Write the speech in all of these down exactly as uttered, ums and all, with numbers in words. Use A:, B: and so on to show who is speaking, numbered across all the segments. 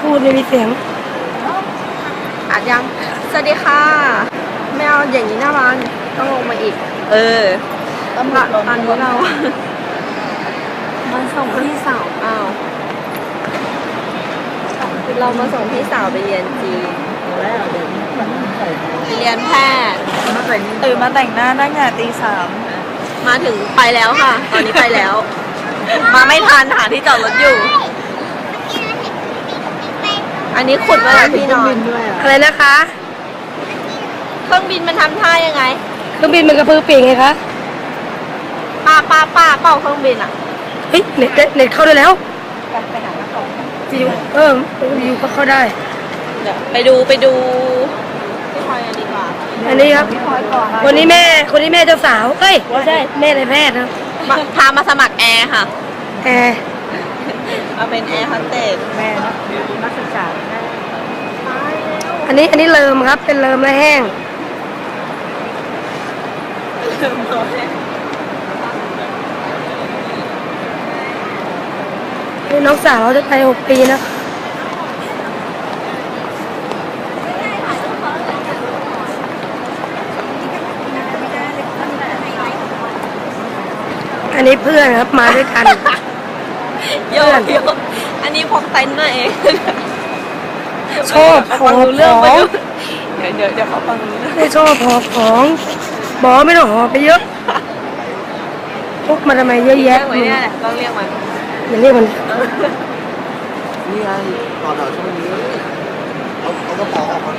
A: พูดไม่มีเสียง
B: อัดยังสวัสดีค่ะไม่เอาอย่างนี้หน้าบ้านต้องลงมาอีกเออตอนตอนนี้เรามาส่งพี่สาวอ้าวเรามาส่งพี่สาวไปเรียนจีนไปเรียนแพทย์
C: ตื่นมาแต่งหน้าตั้งแต่ตีสาม
B: มาถึงไปแล้วค่ะตอนนี้ไปแล้ว มาไม่ทันหาที่จอดรถอยู่อันนี้ขุดไว้แล้วพี่นอน
A: อะไรนะคะ
B: เครื่องบินมันทำท่ายังไง
A: เครื่องบินมันกระพือปีกไงคะ
B: ป้าป้าป้าเป่าเครื่องบินอ่ะ
A: เฮ้ยเน็ตเน็ตเข้าได้แล้วไปหาหน้าต่อวิวเออวิวก็เข้าได้
B: เดี๋ยวไปดูไปดูพี่พลอยกันดีกว่า
A: อันนี้ครับคนนี้แม่คนนี้แม่เจ้าสาวเอ้ยไม่ใช่แม่ในแพทย์ครับ
B: พามาสมัครแอร์ค่ะ
A: แอร์
B: มาเป็นแอร์โฮสเตส
C: แม่นักศึกษา
A: อันนี้อันนี้เลิมครับเป็นเลิมและแห้งนี่น้องสาวเราจะไปหกปีนะอันนี้เพื่อนครับมาด้วยกัน
B: โยนโยนอันนี้พกเต็นท์มาเอง
A: ชอบของเรื่อง
B: เดี๋ยวเดี๋ยวเดี๋ยวเขาฟังรู้
A: ไม่ชอบหอบของบอกไม่ต้องหอบไปเยอะพกมาทำไมเยอะแยะ
B: เนี่ยแหละต้องเรียกมัน
A: อย่าเรียกมัน
D: นี่ไงต่อแถวช่วงนี้เอาเอากระเป๋าออกมา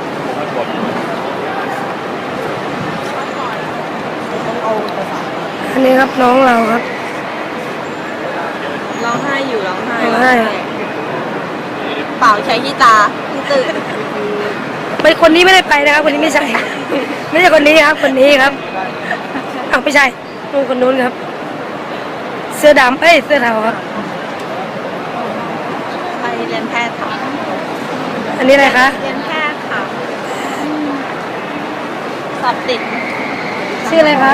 A: อันนี้ครับน้องเราครับ
B: ร้องไห้อยู่ร้องไห้
A: ร้องไห้
B: เปล่าใช้ที่ตาตื่น
A: ไม่คนนี้ไม่ได้ไปนะครับคนนี้ไม่ใช่ไม่ใช่คนนี้ครับคนนี้ครับอ้าวไม่ใช่นู่นคนนู้นครับเสื้อดำเอ้ยเสื้อเทาครับ
B: ไปเรียนแพทย์ค่ะ
A: อันนี้อะไรคะ
B: เรียนแพทย์ค่ะสอบติด
A: ชื่ออะไรคะ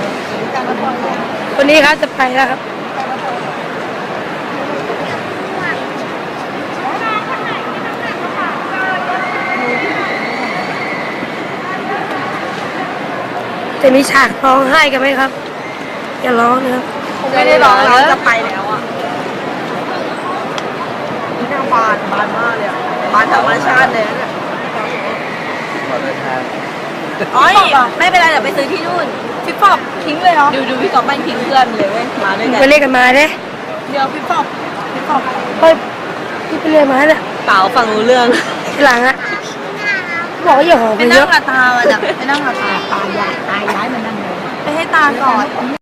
A: คนนี้ครับจะไปแล้วครับจะมีฉากร้องไห้กันไหมครับอย่าร้องนะครับ
B: ไม่ได้ร้องแล้วจะไปแล้วอ่ะนี่น่าบานบานมากเลยอ่ะบานธรรมชาติเลยเนี่ยอ๋อไม่เป็นไรเดี๋ยวไปซื้อที่นู่นพี่ปอบทิ้งเลยเหรอดูดูพี่กอบไม่ทิ้งเพื่อนเลยเว้ยมาด้วยกัน
A: ไปเรียกกันมาเด้
B: เดี๋ยวพี่ปอบพี่ปอบ
A: เฮ้ยพี่ไปเรียกมาเนี่ย
B: เปล่าฟังรู้เรื่อง
A: ทีหลังอะบอกว่าอย่าหอบไปเยอะ
B: ไปนั่งกับตามันอะไปนั่งกับตาตาใหญ่ตาย้ายมันนั่งเลยไปให้ตาก่อน